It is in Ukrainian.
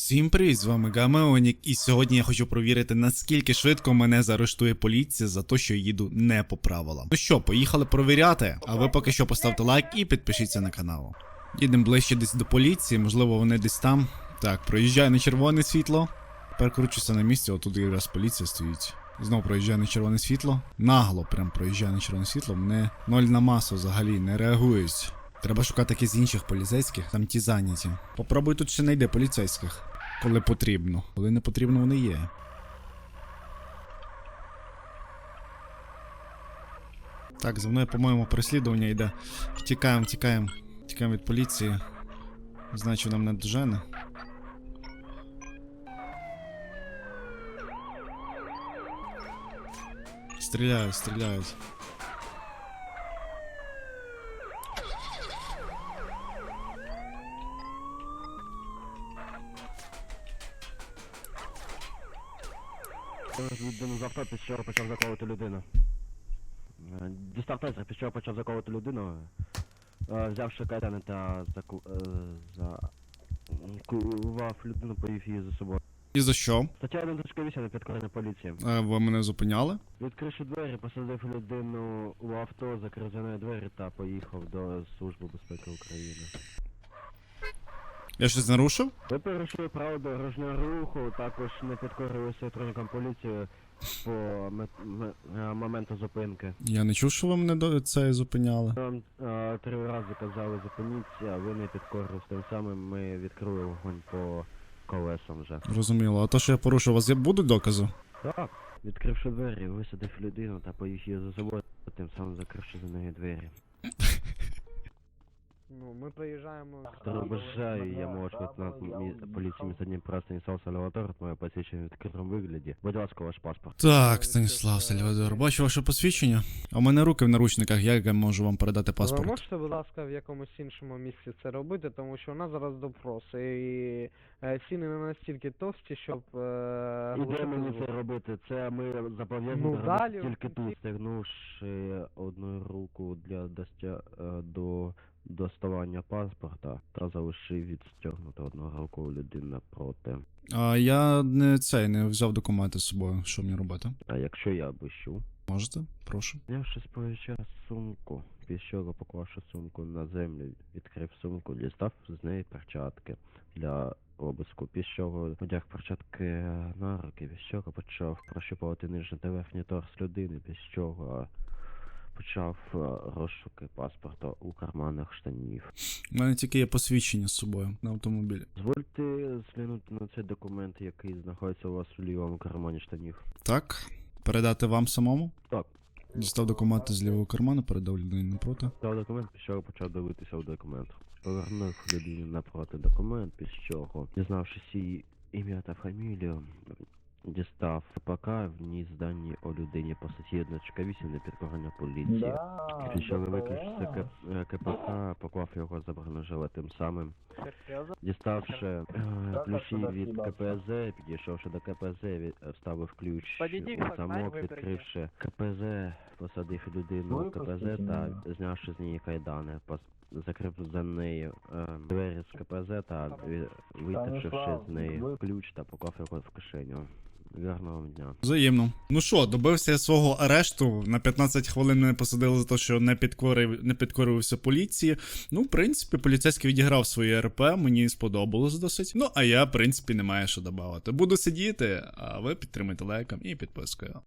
Всім привіт, з вами Гамеонік, і сьогодні я хочу провірити, наскільки швидко мене заарештує поліція за те, що я їду не по правилам. Ну що, поїхали провіряти, а ви поки що поставте лайк і підпишіться на канал. Їдемо ближче десь до поліції, можливо вони десь там. Так, проїжджаю на червоне світло. Тепер кручуся на місці, отут якраз поліція стоїть. Знову проїжджаю на червоне світло. Нагло прям проїжджаю на червоне світло, мене ноль на масу взагалі не реагують. Треба шукати якісь інших поліцейських, там ті зайняті. Попробуй тут ще знайти поліцейських. Коли потрібно. Коли не потрібно, вони є. Так, за мною, по-моєму, переслідування йде. Втікаємо від поліції. Значить, нам не дожене. Стріляють. Людину з авто, під чого почав заковувати людину. Дістав тезер, під чого почав заковувати людину, взявши кайдани та закував людину, повів її за собою. І за що? Стаття 1.8 на підкорення поліції. Ви мене зупиняли? Відкривши двері, посадив людину у авто, закрив за нею двері та поїхав до Служби безпеки України. Я щось нарушив? Ви порушили право дорожнього руху, також не підкорилися сотрудникам поліції по моменту зупинки. Я не чув, що ви мене до це зупиняли. Вам 3 рази казали зупиніться, а ви не підкорились. Тим самим ми відкрили вогонь по колесам вже. Розуміло. А то, що я порушив, у вас будуть докази? Так. Відкривши двері, висадив людину та поїхав її за собою, тим самим закривши за нею двері. Ну, ми приїжджаємо... Второй бажаю, я молодший лейтенант поліції міста Дніпра Станіслав Сальвадор, моє посвідчення в відкритому вигляді. Будь ласка, ваш паспорт. Так, Станіслав Сальвадор, бачу ваше посвідчення. А у мене руки в наручниках, як я можу вам передати Ви паспорт? можете, будь ласка, в якомусь іншому місці це робити, тому що у нас зараз допрос, і ціни не настільки товсті, щоб... І де мені це робити? Це ми зобов'язані Ну, робити далі тільки в кінці. тут, стягнувши одну руку для до доставання паспорта та залишив відстягнути одну руку у людини проти. А я не взяв документи з собою, що мені робити? А якщо я обіщу? Можете? Прошу. Знявши з плеча сумку, піщого поклавши сумку на землю, відкрив сумку, дістав з неї перчатки для обиску. Піщого одяг перчатки на руки, піщого почав прощупувати нижній та верхній торс людини, піщого почав розшуки паспорта у карманах штанів. У мене тільки є посвідчення з собою на автомобілі. Дозвольте зглянути на цей документ, який знаходиться у вас у лівому кармані штанів. Так, передати вам самому? Так. Дістав документи з лівого карману, передав людині напроти. Дав документ, після чого почав дивитися у документ. Повернув людині напроти документ, після чого, дізнавшись її ім'я та фамілію, дістав КПК, вніс дані о людині по статті 1.8 на підкорення поліції. Після чого виключився КПК, поклав його за бронежилет, тим самим діставши ключі від КПЗ, підійшовши до КПЗ, вставив ключ у замок, відкривши КПЗ, посадив людину в КПЗ та знявши з неї кайдани, закрив за нею двері з КПЗ та витащивши з неї ключ та поклав його в кишеню. Гарного вам дня. Взаємно. Ну що, добився я свого арешту. На 15 хвилин мене посадили за те, що не підкорився поліції. Ну, в принципі, поліцейський відіграв своє РП, мені сподобалось досить. Ну, а я, в принципі, не маю що додати. Буду сидіти, а ви підтримуйте лайком і підпискою.